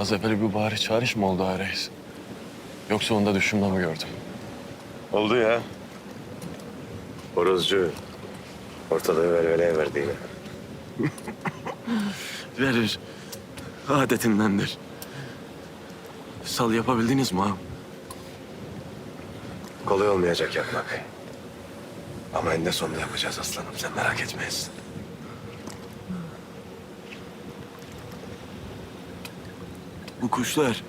Az evvel bir bağırış çağırış mı oldu ha reis? Yoksa onda düşünme mi gördüm? Oldu ya. Horozcu ortalığı velveleye verdi yine. Verir. Adetindendir. Sal yapabildiniz mi ağam? Kolay olmayacak yapmak. Ama eninde sonunda yapacağız aslanım. Sen merak etmeyiz. Bu kuşlar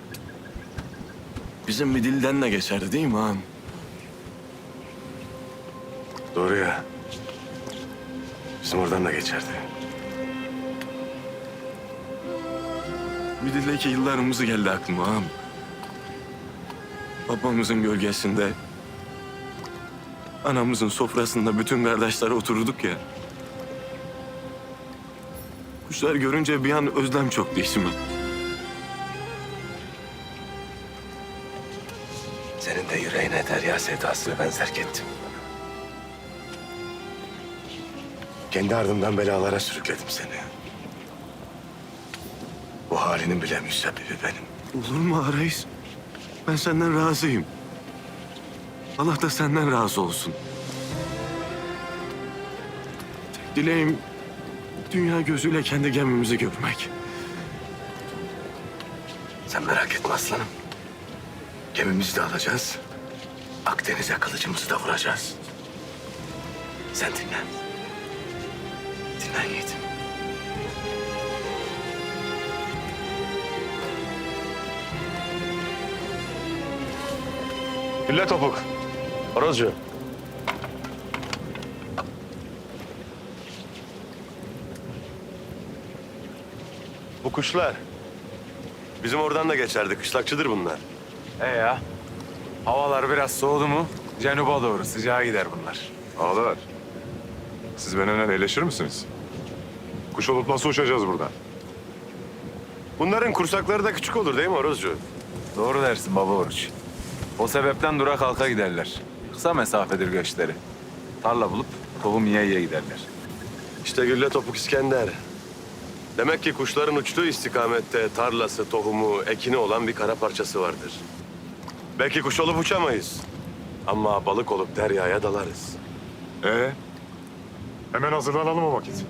bizim bir dilden de geçerdi değil mi ağam? Doğru ya. Bizim oradan da geçerdi. Bir dildeki yıllarımızı geldi aklıma ağam. Babamızın gölgesinde, anamızın sofrasında bütün kardeşler otururduk ya. Kuşlar görünce bir an özlem çöktü içime. Senin de yüreğine derya sevdasını ben zerk ettim. Kendi ardımdan belalara sürükledim seni. Bu halinin bile müsebbibi benim. Olur mu ağa reis? Ben senden razıyım. Allah da senden razı olsun. Tek dileğim dünya gözüyle kendi gemimizi görmek. Sen merak etme aslanım. Gemimizi de alacağız. Akdeniz'e kılıcımızı da vuracağız. Sen dinlen. Dinlen yiğidim. Gülle topuk. Horozcu. Bu kuşlar bizim oradan da geçerdi. Kışlakçıdır bunlar. Ya. Havalar biraz soğudu mu cenuba doğru sıcağa gider bunlar. Ağalar, siz benimle eleşir misiniz? Kuş olup nasıl uçacağız buradan? Bunların kursakları da küçük olur değil mi Horozcu? Doğru dersin baba Oruç. O sebepten dura kalka giderler. Kısa mesafedir göçleri. Tarla bulup tohum yiye yiye giderler. İşte Gülle Topuk İskender. Demek ki kuşların uçtuğu istikamette tarlası, tohumu, ekini olan bir kara parçası vardır. Belki kuş olup uçamayız. Ama balık olup deryaya dalarız. Hemen hazırlanalım o vakit.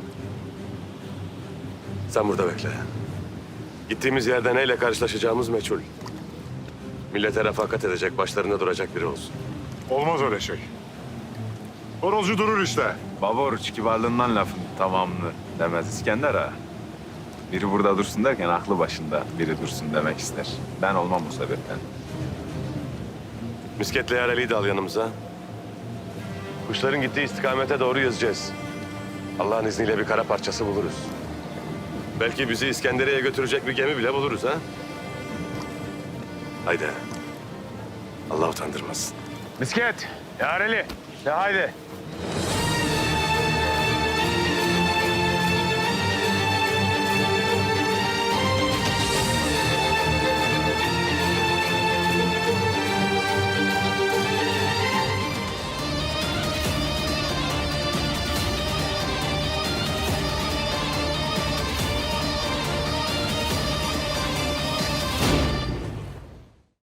Sen burada bekle. Gittiğimiz yerde neyle karşılaşacağımız meçhul. Millete refakat edecek, başlarında duracak biri olsun. Olmaz öyle şey. Horozcu durur işte. Baba Oruç kibarlığından lafın tamamını demez İskender ağa. Biri burada dursun derken aklı başında biri dursun demek ister. Ben olmam bu sebepten. Misketle Yareli'yi de al yanımıza. Kuşların gittiği istikamete doğru yüzeceğiz. Allah'ın izniyle bir kara parçası buluruz. Belki bizi İskenderiye'ye götürecek bir gemi bile buluruz ha. Haydi. Allah utandırmasın. Misket, Yareli. De haydi.